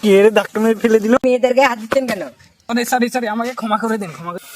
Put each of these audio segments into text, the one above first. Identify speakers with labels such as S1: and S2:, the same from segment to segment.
S1: কে রে ধাক্কা মেরে ফেলে দিল?
S2: মেয়েদের গায়ে হাত দিচ্ছেন কেন?
S1: সরি সরি, আমাকে ক্ষমা করে দিন, ক্ষমা করে।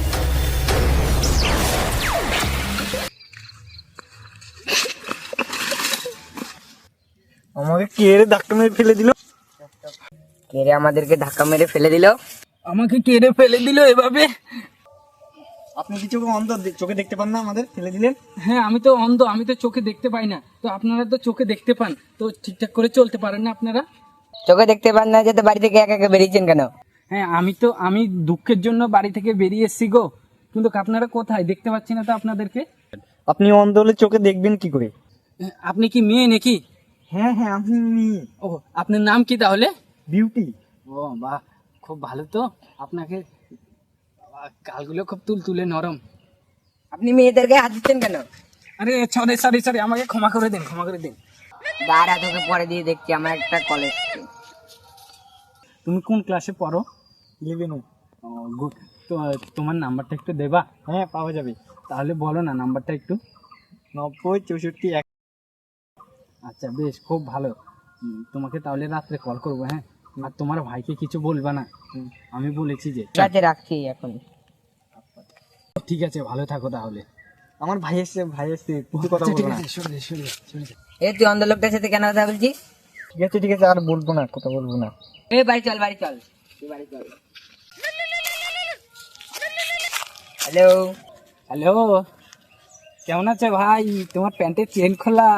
S1: আমাকে কে রে ধাক্কা মেরে ফেলে দিল?
S2: কে রে আমাদেরকে ধাক্কা মেরে ফেলে দিল?
S1: আমাকে কে রে ফেলে দিল এভাবে?
S3: আপনি কি চোখে অন্ধ, চোখে দেখতে পান না আমাদের ফেলে দিলেন?
S1: হ্যাঁ, আমি তো অন্ধ, আমি তো চোখে দেখতে পাই না। তো আপনারা তো চোখে দেখতে পান, তো ঠিকঠাক করে চলতে পারেন না আপনারা?
S2: চোখে দেখতে পান না, যেতে বাড়ি থেকে একা একা বেরিয়েছেন কেন?
S1: হ্যাঁ, আমি দুঃখের জন্য বাড়ি থেকে বেরিয়ে এসেছি গো, কিন্তু আপনারা কোথায়? দেখতে পাচ্ছি না তো আপনাদেরকে।
S3: আপনি অন্ধ হলে চোখে দেখবেন কি করে?
S1: আপনি কি মেয়ে নাকি?
S3: হ্যাঁ হ্যাঁ, আপনি
S1: ও, আপনার নাম কি তাহলে?
S3: বিউটি।
S1: ও বাহ, খুব ভালো তো। আপনাকে গালগুলো খুব তুলতুলে নরম।
S2: আপনি মেয়েদের গায়ে হাত দিচ্ছেন কেন?
S1: আরে সরি সরি সরি, আমাকে ক্ষমা করে দিন, ক্ষমা করে দিন।
S2: দাঁড়া, তোকে পরে দিয়ে দেখছি, আমার একটা কলেজ।
S1: তুমি কোন ক্লাসে পড়ো?
S3: 11।
S1: ও গুড। তো তোমার নাম্বারটা একটু দেবা?
S3: হ্যাঁ, পাওয়া যাবে।
S1: তাহলে বলো না নাম্বারটা একটু।
S3: 90 64 1।
S1: আচ্ছা বেশ, খুব ভালো। তোমাকে তাহলে রাত্রে কল করবো, হ্যাঁ? আর তোমার ভাইকে কিছু বলবা না, আমি বলেছি যে।
S2: ঠিক আছে, রাখছি এখন।
S1: ঠিক আছে, ভালো থাকো তাহলে।
S3: আমার ভাই এসছে, ভাই এসছে, কিছু কথা
S1: আচ্ছা, ঠিক
S3: বলবো না।
S1: আছে, শুনে শুনে শুনে।
S2: এ তুই অন্ধ লোকটার সাথে কেন কথা বলছিস?
S3: ঠিক আছে ঠিক আছে, আর বলবো না, কথা বলবো না।
S2: এ বাড়ি চল, বাড়ি চল, তুই বাড়ি চল। হ্যালো।
S1: হ্যালো, কেমন আছে ভাই? তোমার প্যান্টের চেন খোলা।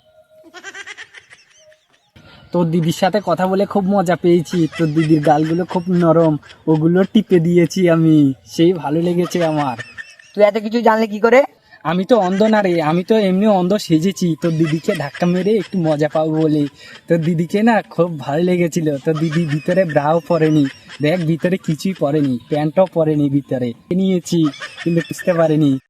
S1: তোর দিদির সাথে কথা বলে খুব মজা পেয়েছি। তোর দিদির গালগুলো খুব নরম, ওগুলো টিপে দিয়েছি আমি, সেই ভালো লেগেছে আমার।
S2: তুই এত কিছু জানলে কি করে?
S1: আমি তো অন্ধ না রে, আমি তো এমনি অন্ধ সেজেছি তোর দিদিকে ধাক্কা মেরে একটু মজা পাবো বলে। তোর দিদিকে না খুব ভালো লেগেছিল। তোর দিদি ভিতরে ব্রাও পরেনি, দেখ ভিতরে কিছুই পরেনি, প্যান্টও পরেনি, ভিতরে নিয়েছি কিন্তু বুঝতে পারেনি।